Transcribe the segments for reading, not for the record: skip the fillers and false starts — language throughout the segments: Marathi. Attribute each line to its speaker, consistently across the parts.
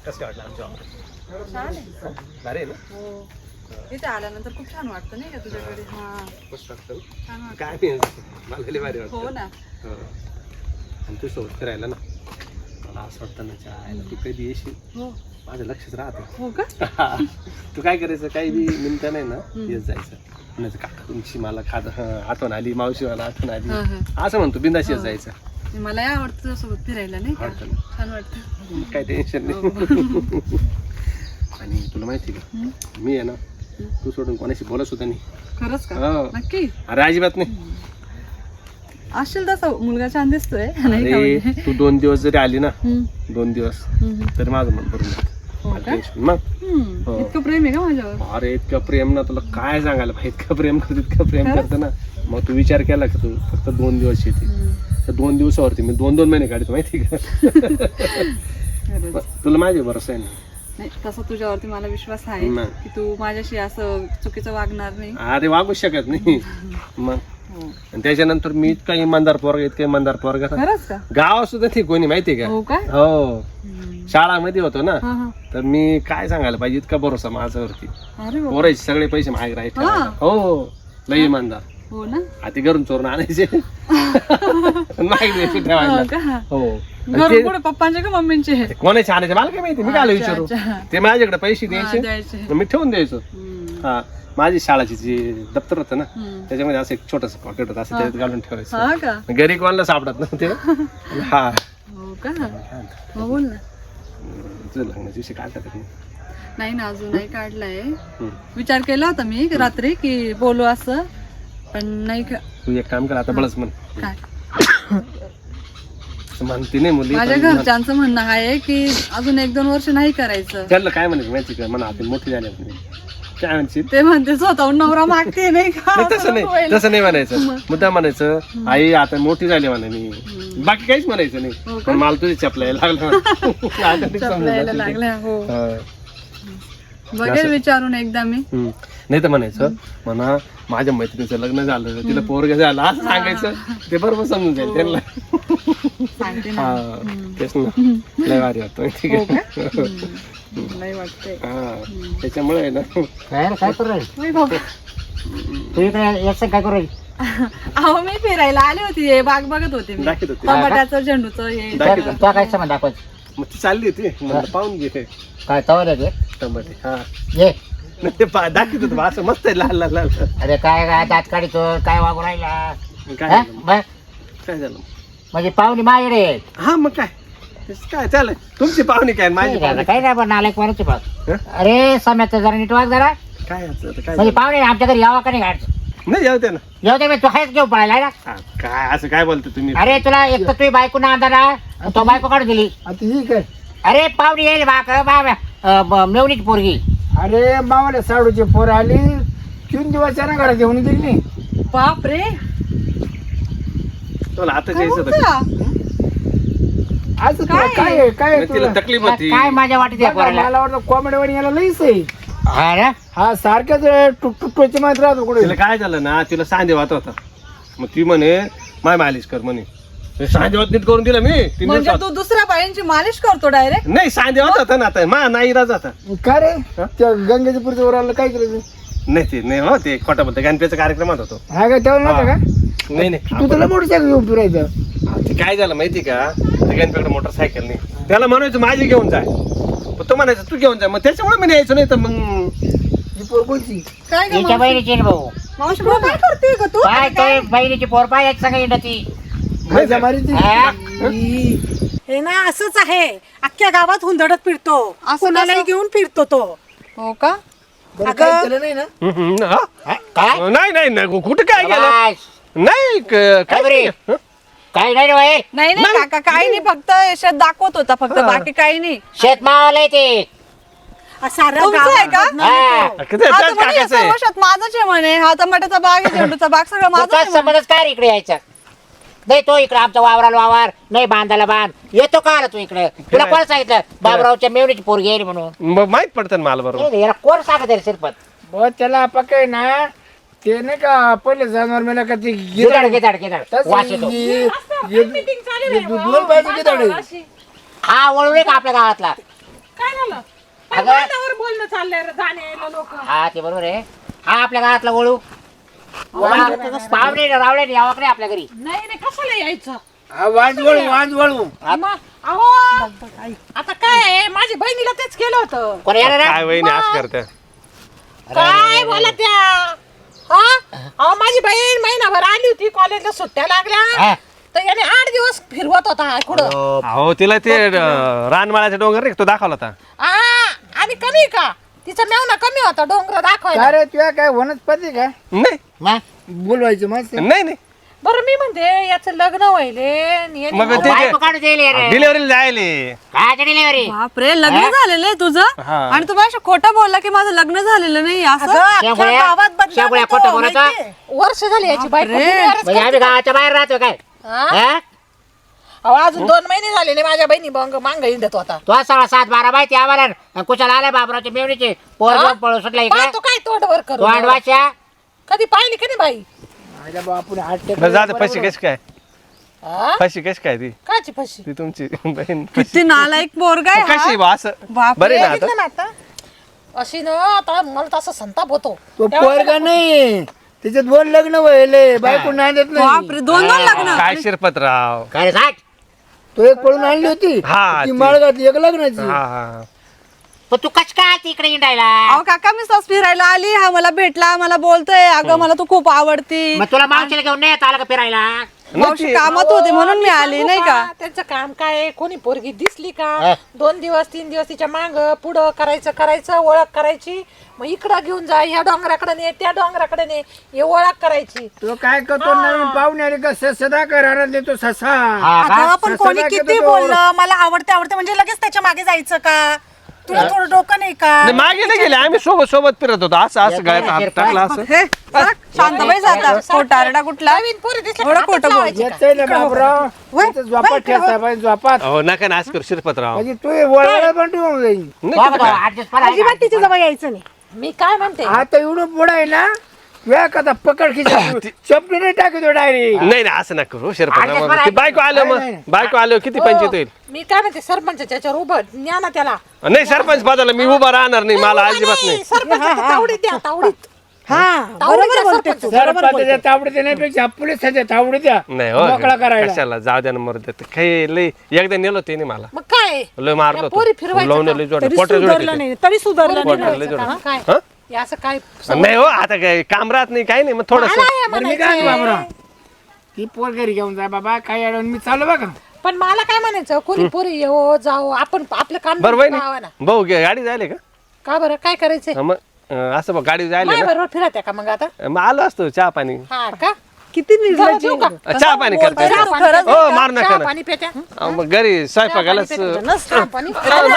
Speaker 1: कसं वाटलं आमच्या ऑफिस?
Speaker 2: छान आहे.
Speaker 1: भारी आहे ना?
Speaker 2: हो. इथे आल्यानंतर खूप छान वाटतं नाही का तुझ्याकडे? हा
Speaker 1: मस्त वाटतं ना?
Speaker 2: छान वाटतं.
Speaker 1: काय नाही मला लई भारी वाटतं.
Speaker 2: हो ना.
Speaker 1: हो. आणि तू सोबत फिरायला ना मला असं वाटतं ना चायला तू कधी येशील
Speaker 2: हो.
Speaker 1: माझं लक्षच राहतं.
Speaker 2: हो का?
Speaker 1: तू काय करायचं काही बी निमित्त नाही ना येत जायचं म्हणायचं काका तुमची मला आठवण आली मावशी मला आठवण आली
Speaker 2: हा,
Speaker 1: असं म्हणतो बिंदास येत जायचं.
Speaker 2: मलाही आवडतं तुझ्यासोबत फिरायला नाही का?
Speaker 1: आवडतं ना?
Speaker 2: छान वाटतं.
Speaker 1: काही टेन्शन
Speaker 2: हो.
Speaker 1: नाही. आणि तुला माहिती का मी आहे ना तू सोडून कोणाशी बोलत सुद्धा नाही.
Speaker 2: खरंच का?
Speaker 1: हो.
Speaker 2: नक्की
Speaker 1: अरे अजिबात नाही.
Speaker 2: असेल तसा मुलगा छान दिसतोय नाही का
Speaker 1: अरे
Speaker 2: म्हणजे?
Speaker 1: तू 2 दिवस जरी आली ना
Speaker 2: हम्म,
Speaker 1: 2 दिवस
Speaker 2: हम्म.
Speaker 1: तरी माझं मन भरून जातं.
Speaker 2: हो
Speaker 1: मला
Speaker 2: का?
Speaker 1: टेन्शन मग हो.
Speaker 2: इतकं प्रेम आहे का माझ्यावर?
Speaker 1: अरे इतकं प्रेम ना तुला काय सांगायला पाहिजे इतकं प्रेम करत इतकं प्रेम
Speaker 2: खरंच?
Speaker 1: करतं ना. मग तू विचार केला का तू फक्त 2 दिवस येते तर 2 दिवसावरती मी 2-2 महिने काढतो माहिती का.
Speaker 2: खरंच.
Speaker 1: तुला माझे भरोसा आहे ना.
Speaker 2: नाही तसा तुझ्यावरती मला विश्वास आहे
Speaker 1: नाही.
Speaker 2: की तू माझ्याशी असं चुकीचं वागणार नाही.
Speaker 1: अरे वागू शकत नाही मग
Speaker 2: हो.
Speaker 1: आणि त्याच्यानंतर मी इतका इमानदार पोरगा
Speaker 2: खरंच का?
Speaker 1: गाव सुद्धा नाही कोणी माहितीये का.
Speaker 2: हो का?
Speaker 1: हो शाळामध्ये होतो ना
Speaker 2: हा हा.
Speaker 1: तर मी काय सांगायला पाहिजे इतका भरोसा माझ्यावरती
Speaker 2: अरे बाबा.
Speaker 1: पोरायचे सगळे पैसे मागे राहायचे
Speaker 2: हा.
Speaker 1: हो लई इमानदार.
Speaker 2: हो ना?
Speaker 1: हाती घरून चोरून आणायचे मागे द्यायचे ठेवायला.
Speaker 2: हो का?
Speaker 1: हो आणि
Speaker 2: घरून
Speaker 1: ते
Speaker 2: कुठे पप्पांचे का मम्मींचे?
Speaker 1: कोणाचे आणायचे मला काय माहिती मी काय
Speaker 2: अच्छा,
Speaker 1: विचारू
Speaker 2: अच्छा.
Speaker 1: ते माझ्याकडे पैसे
Speaker 2: हा,
Speaker 1: द्यायचे
Speaker 2: द्यायचे.
Speaker 1: मी ठेवून द्यायचो.
Speaker 2: हम्म.
Speaker 1: हा माझी शाळाची जी दप्तर होतं ना
Speaker 2: हम्म.
Speaker 1: त्याच्यामध्ये असं एक छोटस पॉकेट होतं असं त्याच्यात घालून ठेवायचं.
Speaker 2: हा का?
Speaker 1: घरी कोणाला सापडत नव्हते. हा
Speaker 2: हो का? हो बोल ना.
Speaker 1: तुझं लग्नाची विषय काय करत
Speaker 2: नाही ना अजून नाही काढलाय. विचार केला होता मी रात्री की बोलू असं पण नाही का.
Speaker 1: तू एक काम कर आता बळच म्हण
Speaker 2: काय
Speaker 1: म्हणते नाही मुली
Speaker 2: माझ्या
Speaker 1: पण
Speaker 2: घरच्यांचं म्हणणं आहे की अजून 1-2 वर्ष नाही करायचं.
Speaker 1: त्याला काय म्हणायचं माहिती का म्हणा आता मोठी झाली म्हणे. काय म्हणशील
Speaker 2: ते म्हणते स्वतःहून नवरा मागते नाही का?
Speaker 1: नाही तसं नाही तसं नाही म्हणायचं मुद्दा म्हणायचं आई आता मोठी झाली म्हणा मी बाकी काहीच म्हणायचं
Speaker 2: हो
Speaker 1: नाही
Speaker 2: का?
Speaker 1: पण मला तुझी चपलायला लागलं
Speaker 2: चपलायला लागल्या. हो
Speaker 1: हा.
Speaker 2: बघेल विचारून एकदा मी.
Speaker 1: नाही तर म्हणायचं म्हणा माझ्या मैत्रिणीचं लग्न झालं तिला पोरग झालं असं सांगायचं ते बरोबर समजून जाईल त्यांना.
Speaker 2: सांगते ना.
Speaker 1: हा तेच ना लय भारी वाटतं माहिती
Speaker 2: हो
Speaker 1: का.
Speaker 2: का? नाही वाटतंय.
Speaker 1: हा त्याच्यामुळे आहे ना
Speaker 3: काय करू राहील
Speaker 2: होय बाबा.
Speaker 3: तू इकडे याचं काय करू राहील
Speaker 2: अहो मी फिरायला आले होते हे बाग बघत होते मी.
Speaker 1: दाखवत होती.
Speaker 2: टमाट्याचं झेंडूचं हे
Speaker 1: दाखवत
Speaker 3: तुला काय समज दाखवायचं
Speaker 1: मग ती चालली होती म्हणलं पाहून घे
Speaker 3: काय तवर आहे
Speaker 1: टमाटे. हा
Speaker 3: ये
Speaker 1: नाही ते दाखवत होतं बा, असं मस्त आहे लाल लाल लाल.
Speaker 3: अरे काय काय दात काढितो काय वागू राहिला
Speaker 1: काय
Speaker 3: हा?
Speaker 1: झालं
Speaker 3: बस.
Speaker 1: काय झालं
Speaker 3: म्हणजे पाहुणे माझ्याकडे आहेत.
Speaker 1: हा मग काय तेच काय चालेल तुमची पाहुणी काय माझी
Speaker 3: नाही
Speaker 1: पाहुणी
Speaker 3: रे, काही नाही पण नालायक कोणाची बघ
Speaker 1: हं?
Speaker 3: अरे सम्याचं जरा नीट वाग जरा
Speaker 1: काय याचं आता, काय
Speaker 3: म्हणजे
Speaker 1: झालं?
Speaker 3: पाहुणे आमच्या घरी यावा का नाही गाडचं
Speaker 1: नाही जाऊ दे ना.
Speaker 3: येऊ दे मी तू आहेच घेऊन पळायला ना.
Speaker 1: हा, काय असं काय बोलतो तुम्ही
Speaker 3: अरे तुला एक तर तुझी बायको ना अंधारा तो बायको काढून दिली.
Speaker 4: आता ही काय
Speaker 3: अरे पाहुणे येईल मेवणीची पोरगी.
Speaker 4: अरे मावाला साडूची पोर आली 3 दिवस ना घरात घेऊन गेली नाही.
Speaker 2: बाप रे
Speaker 1: तुला आता
Speaker 2: काय
Speaker 1: जायचं होतं.
Speaker 2: बोलता?
Speaker 4: आज तुला
Speaker 2: काय?
Speaker 4: काय आहे? काय आहे
Speaker 1: मग तिला
Speaker 4: तुला?
Speaker 1: तकलीफ होती
Speaker 3: काय माझ्या वाटत
Speaker 4: बघा, मला वाटतं कॉमेडी याला लईच आहे.
Speaker 3: हा ना
Speaker 4: हा सारख्याच टुकटुकची मात्र राहतो कुठे
Speaker 1: तिला काय झालं ना तिला सांधे वात होता मग ती म्हणे माय मालिश कर म्हणे ते सांधे वात नीट करून दिला मी 3
Speaker 2: म्हणजे
Speaker 1: दिवसात.
Speaker 2: तू दुसऱ्या बायांची मालिश करतो डायरेक्ट?
Speaker 1: नाही सांधे वात होता ना आता मा नाही राज आता
Speaker 4: काय रे त्या गंगेच्या पुढच्या वर आलं काय केलं
Speaker 1: नाही ते नाही हो ते खोटा बोलतो गणपतीच्या कार्यक्रमात होतो.
Speaker 4: हा काय तेव्हा नव्हतं का
Speaker 1: नाही नाही
Speaker 4: तू तुला मोटरसायकल घेऊन फिरायचं.
Speaker 1: ते काय झालं माहिती का ते गणपतीकडे मोटरसायकल नाही त्याला म्हणायचं माझी घेऊन जाय पण तो म्हणायचं तू घेऊन जाय मग त्याच्यामुळे मी न्यायचं नाही तर मग
Speaker 4: ही पोर कोणची
Speaker 2: काय गं
Speaker 3: तिच्या
Speaker 2: मावशी?
Speaker 3: बहिणीची आहे ना भाऊ
Speaker 2: मावशी भाऊ काय करते ग तू?
Speaker 3: काय ते बहिणीची पोर पाय एक सगळी इंडती.
Speaker 4: मजा मारीची.
Speaker 3: हा?
Speaker 5: हे ना असंच आहे अख्ख्या गावात हुंदडत फिरतो कोणालाही घेऊन फिरतो तो.
Speaker 2: हो का?
Speaker 4: बरं, काही केलं नाही ना
Speaker 1: हा?
Speaker 3: हा? काय
Speaker 1: नाही नाही नाही कुठे काय गेलं
Speaker 3: काय
Speaker 1: नाही
Speaker 3: काय बरे? काय नाही रे बाई.
Speaker 2: नाही नाही काका काही नाही फक्त याच्यात दाखवत होता फक्त बाकी काही नाही.
Speaker 3: शेतमावाला आहे ते.
Speaker 5: सारं
Speaker 2: तुमचं
Speaker 5: गाव
Speaker 2: आहे का?
Speaker 3: हा.
Speaker 1: किती
Speaker 2: आता
Speaker 1: त्याच
Speaker 2: म्हणे
Speaker 1: काकाचं आहे.
Speaker 2: सर्व शेत माझंच आहे म्हणे हा टमाट्याचा बाग आहे झेंडूचा बाग सगळं माझं
Speaker 3: तुझा
Speaker 2: आहे म्हणे.
Speaker 3: संबंधच काय रे इकडे यायचा नाही तो इकडे आमचा वावराला वावर नाही बांधायला बांध येतो का आला तू इकडे तुला कोण सांगितलं बाबरावच्या मेवणीची पोरगी आहे म्हणून
Speaker 1: मग माहित पडतं ना मला बरोबर
Speaker 3: याला कोण सांगत आहे शिरपत
Speaker 4: बुवा त्याला पकाय ना ते नाही का पहिले जनावर मेला का ते
Speaker 3: गिदाड गिदाड गिदाड वास येतो
Speaker 4: दोन पाहिजे गिदाड आहे.
Speaker 3: हा वळू नये का आपल्या गावातला
Speaker 5: झालं पण
Speaker 3: अगं.
Speaker 5: वादावर बोलणं चाललंय रे, जाणे लोक
Speaker 3: हा ते बरोबर आहे. हा आपल्या घरातला वळू पाहुणे रावळे यावं नाही आपल्या घरी.
Speaker 5: नाही रे कशाला यायचं
Speaker 4: हा, वाज वळू
Speaker 5: अहो आता काय आहे माझी बहिणीला तेच केलं होतं
Speaker 3: कोण येणार
Speaker 1: काय वहिनी असं करते
Speaker 5: काय बोला त्या हा अहो माझी बहीण महिनाभर आली होती कॉलेजला सुट्ट्या लागल्या तर याने 8 दिवस फिरवत होता कुठं
Speaker 1: हो तिला ते रानमाळ्याचा डोंगर रे तो दाखवला होता.
Speaker 5: आणि कमी का तिचा मेवना कमी होता डोंगर दाखवायला
Speaker 4: अरे तुझ्या काय वनस्पती काय
Speaker 1: नाही
Speaker 4: बोलवायचं मस्त
Speaker 1: नाही नाही
Speaker 5: बरं मी म्हणते याचं लग्न व्हायले
Speaker 1: मग ते
Speaker 3: काढून दिली
Speaker 1: डिलिव्हरीला जायले.
Speaker 3: काय डिलिव्हरी
Speaker 2: बापरे लग्न झालेलं आहे तुझं
Speaker 1: हा.
Speaker 2: आणि तू माझ्या खोटं बोलला की माझं लग्न झालेलं नाही असं
Speaker 3: खोटं बोलायचं.
Speaker 5: वर्ष झाली याची बायको
Speaker 2: बापरे.
Speaker 5: डिलिव्हरीच
Speaker 3: म्हणजे आम्ही गावाच्या बाहेर राहतो काय
Speaker 5: हा?
Speaker 3: हा?
Speaker 5: अहो अजून 2 महिने झाले नाही माझ्या बहिणी मांग हिंडत होता
Speaker 3: तो सगळा 7-12 माहिती आम्हाला कुशाला आलाय बाबरावच्या मेवणीचे पोर पळू सुटला इकडे
Speaker 5: पाहतो काय तोंडवर
Speaker 3: तो
Speaker 5: करू
Speaker 3: आडवाच्या
Speaker 5: कधी पाहिली कधी बाई
Speaker 4: माझ्या बापून हात
Speaker 1: बरं जाते फशी कशी काय
Speaker 5: हा?
Speaker 1: फशी कशी काय ती
Speaker 5: काची फशी
Speaker 1: ती तुमची बहीण
Speaker 2: किती नालायक पोरगा आहे हा.
Speaker 1: कशी बा असं
Speaker 2: बापरे.
Speaker 1: बरे ना आता
Speaker 5: बघितलं ना आता अशी ना आता मला तसा संताप होतो
Speaker 4: तो पोरगा नाही त्याच्यात 2 लग्न व्हायले बायको नांदत नाही
Speaker 2: बापरे 2 लग्न
Speaker 1: काय शिरपतराव
Speaker 3: काय रे सांग
Speaker 4: तो एक पळून आणली होती
Speaker 1: हा,
Speaker 4: ती
Speaker 1: ती.
Speaker 4: माळगातली एक लग्नाची
Speaker 1: हा हा
Speaker 3: पण तू कच काय तिकडे हिंडायला
Speaker 2: अहो काका मी सहज फिरायला आली हा मला भेटला मला बोलतोय अगं मला तू खूप आवडती
Speaker 3: मग तुला मावशीला घेऊन नाही येत आलं का फिरायला
Speaker 2: मावशी कामात होते म्हणून मी आली नाही का
Speaker 5: त्यांचं काम काय आहे? कोणी पोरगी दिसली का
Speaker 3: हा.
Speaker 5: 2 दिवस 3 दिवस तिच्या मांग पुढं करायचं ओळख करायची मग इकडं घेऊन जा ह्या डोंगराकडे ने त्या डोंगराकडे ने हे ओळख करायची
Speaker 4: तो काय करतो नवीन पाहुणे आले का सदा करायला देतो ससा
Speaker 3: हा का?
Speaker 5: अगं, पण कोणी
Speaker 4: ससा
Speaker 5: किती
Speaker 4: घेतो तो.
Speaker 5: बोललं मला आवडते म्हणजे लगेच त्याच्या मागे जायचं का तुला थोडं डोकं नाही का
Speaker 1: नाही, मागे नाही गेले आम्ही सोबत सोबत फिरत होतो असं गळ्यात हात टाकला असं
Speaker 2: हे शांतबाई जाता खोटारडा कुठला
Speaker 5: नवीन पोरी दिसल्या
Speaker 2: एवढं
Speaker 5: का
Speaker 2: खोटं
Speaker 5: हातच
Speaker 2: बोल
Speaker 5: लावायचे.
Speaker 4: येतंय ना बाबराव त्याचं झोपात ठेवता पाहिजे झोपात
Speaker 1: हो नका ना असं करू शिरपतराव
Speaker 4: म्हणजे तू वळवायला पण ठेवून जाईल
Speaker 1: नाही
Speaker 3: बघ
Speaker 1: तर
Speaker 3: तो,
Speaker 1: काय?
Speaker 3: adjust करा.
Speaker 5: अजिबात तिच्या जवळ यायचं नाही मी काय म्हणते
Speaker 4: आता एवढं पुढं आहे ना वेळ कथा पकड खिचा चपली नाही टाकतो डायरेक्ट
Speaker 1: नाही नाही असं नका करू शिरपतराव
Speaker 3: adjust
Speaker 1: ती बायको आलं
Speaker 4: नाही,
Speaker 1: मग
Speaker 4: नाही.
Speaker 1: बायको आलो किती पंचायत होईल
Speaker 5: मी काय म्हणते सरपंचाच्या याच्यावर उभं न्या ना त्याला
Speaker 1: नाही सरपंच पदाला मी उभा राहणार नाही मला अजिबात नाही
Speaker 5: सरपंचाच्या तावडीत द्या तावडीत
Speaker 2: बरोबर बोलते तू
Speaker 4: सरपंचाच्या तावडीत देण्यापेक्षा पोलिसाच्या तावडीत द्या
Speaker 1: नाही हो
Speaker 4: मोकळा करायला
Speaker 1: कशाला जाऊ द्या ना मरू द्या काही लय एकदा नेलो ते नाही मला
Speaker 5: मग काय
Speaker 1: लय मारलो
Speaker 5: या पोरी फिरवायचं
Speaker 1: लावून
Speaker 5: का?
Speaker 1: लय जोड
Speaker 5: तरी
Speaker 1: पोटर
Speaker 5: सुधारलं
Speaker 1: जोड
Speaker 5: नाही तरी सुधारलं
Speaker 1: पोटाला
Speaker 5: नाही
Speaker 1: जोड.
Speaker 5: हा, काय
Speaker 1: हा?
Speaker 5: हे असं काय
Speaker 1: नाही हो आता काय काम राहत नाही काही नाही मग थोडस
Speaker 5: मला हे
Speaker 4: बरं मी काय
Speaker 5: म्हणायचंय.
Speaker 4: बाबराव ती पोर घरी घेऊन जा बाबा काय अडवून मी चालू बघा
Speaker 5: पण मला काय म्हणायचं कोणी पोरी येऊ जाऊ आपण आपलं काम
Speaker 1: बरं वय
Speaker 5: पाहावं ना.
Speaker 1: भाऊ गाडी जायले का
Speaker 5: का बरं काय करायचंय
Speaker 1: हा, मग असं बघ गाडी जायले
Speaker 5: माझ्या
Speaker 1: ना
Speaker 5: बरोबर फिरत का मग आता
Speaker 1: मग आलो असतो चहा पाणी
Speaker 5: हा का
Speaker 2: किती
Speaker 5: जाऊ देऊ का?
Speaker 1: चहा पाणी करते
Speaker 5: चहा पाणी
Speaker 2: खरंच
Speaker 5: प्यायचं
Speaker 1: हो,
Speaker 5: का?
Speaker 1: मार नका
Speaker 5: चहा
Speaker 1: ना.
Speaker 5: पाणी प्यायच्या?
Speaker 1: मग घरी स्वयंपाकालाच
Speaker 5: चहा पाणी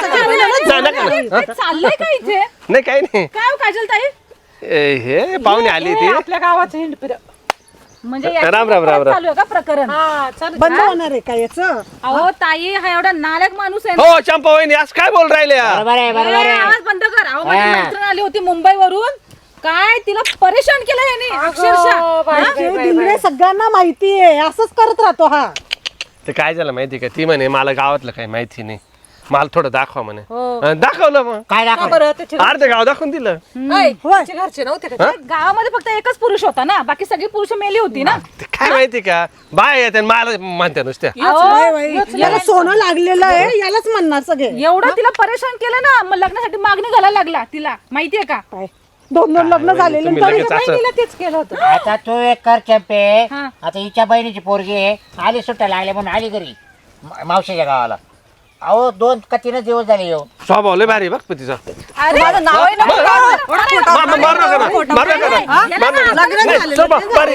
Speaker 2: चाललंय का इथे
Speaker 1: नाही काही नाही
Speaker 2: काय काजल ताई
Speaker 1: हे पाहुणे आली
Speaker 5: हे
Speaker 1: ती
Speaker 5: आपल्या गावाचं हिंड फिर
Speaker 2: म्हणजे
Speaker 1: राम राम राम राम
Speaker 2: चालू आहे का प्रकरण
Speaker 5: हा चालू
Speaker 2: बंद होणार आहे का याचं अहो ताई हा एवढा नालायक माणूस आहे ना.
Speaker 1: हो चंपा वहिनी आज काय बोल राहिले यार?
Speaker 3: बरोबर आहे बरोबर
Speaker 2: ए,
Speaker 3: आहे
Speaker 2: आवाज बंद कर अहो माझी
Speaker 3: हा.
Speaker 2: मैत्रीण आली होती मुंबईवरून काय तिला परेशान केलं याने अक्षरशः
Speaker 5: सगळ्यांना माहिती आहे असंच करत राहतो हा
Speaker 1: ते काय झालं माहिती का ती म्हणे मला गावातलं काही माहिती नाही मला थोडं दाखवा म्हणे
Speaker 5: हो.
Speaker 1: दाखवलं मग
Speaker 3: काय
Speaker 5: का
Speaker 3: दाखव
Speaker 5: बरं त्याचे
Speaker 1: अर्ध गाव दाखवून दिलं
Speaker 5: त्याचे घरचे नव्हते का
Speaker 1: हा?
Speaker 2: गावामध्ये फक्त एकच पुरुष होता ना बाकी सगळी पुरुष मेली होती ना
Speaker 1: ते काय माहिती का बाय येते मला म्हणते नुसत्या
Speaker 5: याला सोनं लागलेलं आहे यालाच म्हणणार सगळे
Speaker 2: एवढं तिला परेशान केलं ना मग लग्नासाठी मागणी घालायला लागला तिला माहितीये का
Speaker 5: 2 लग्न झालेले
Speaker 1: तुम्ही
Speaker 5: तरी
Speaker 1: लगेच
Speaker 5: त्या
Speaker 1: असं-
Speaker 5: बहिणीला तेच केलं होतं
Speaker 3: आता तू एक कर चंपे
Speaker 2: हा.
Speaker 3: आता हिच्या बहिणीची पोरगी आहे आली सुट्ट्या लागल्या म्हणून आली घरी मावशीच्या गावाला अहो 2 का 3 दिवस झाले येऊ
Speaker 1: स्वभाव लय भारी बघ तिचा
Speaker 2: अरे माझं नाव आहे ना
Speaker 1: मारू नका ना, मारू नका ना, मारू नका ना. नाही, स्वभाव भारी.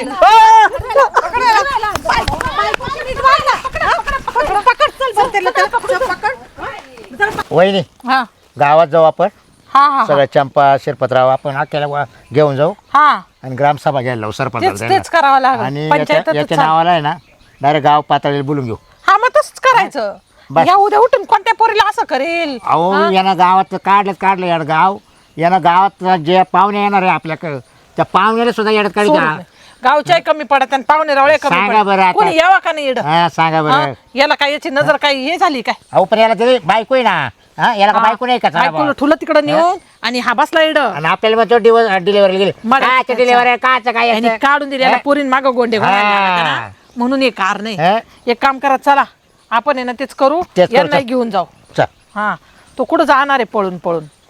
Speaker 3: वहिनी
Speaker 5: हा
Speaker 3: गावात जाऊ आपण
Speaker 5: हा हा
Speaker 3: सगळं चंपा शिरपतराव आपण अख्याला घेऊन जाऊ
Speaker 5: हा
Speaker 3: आणि ग्रामसभा घ्यायला लावू सरपंच
Speaker 5: तेच करावं लागेल
Speaker 3: आणि
Speaker 5: पंचायत
Speaker 3: याच्या नावाला आहे ना डायरेक्ट गाव पातळीला बोलून घेऊ
Speaker 5: हा मग तसंच करायचं
Speaker 3: बस.
Speaker 5: या उद्या उठून कोणत्या पोरीला असं करेल
Speaker 3: अहो यानं गावात काढलं याड गाव यानं गावात जे पाहुणे येणार आहे आपल्याकडं त्या पाहुण्याला सुद्धा येड्यात काढी का
Speaker 5: गावच्या कमी पडत आणि पाहुणे रावळे कमी
Speaker 3: सांगा बरं
Speaker 5: पडत
Speaker 3: आता.
Speaker 5: कोणी यावा का नाही इकडं?
Speaker 3: हा सांगा
Speaker 5: हा?
Speaker 3: बरं
Speaker 5: याला काय याची नजर काय हे झाली काय
Speaker 3: अहो पण याला तरी बायको आहे ना हा याला का बायको नाही का चला
Speaker 5: बायकोला
Speaker 3: बुवा.
Speaker 5: ठुलं तिकडं नेऊन आणि हा बसला इड
Speaker 3: आणि आपल्याला मग तो डिलिव्हरी गेली
Speaker 5: मला
Speaker 3: कायचं डिलिव्हरी कायचं काय
Speaker 5: आणि
Speaker 3: असतं?
Speaker 5: काढून दिले पोरीन माग गोंडे घालायला लागला
Speaker 3: हा.
Speaker 5: ना. म्हणून हे कार नाही
Speaker 3: हा?
Speaker 5: एक काम करा चला आपण आहे ना तेच करू
Speaker 3: तेच करू,
Speaker 5: यांना
Speaker 3: चल.
Speaker 5: घेऊन जाऊ
Speaker 3: चल.
Speaker 5: हा तो कुठं जाणार आहे पळून पळून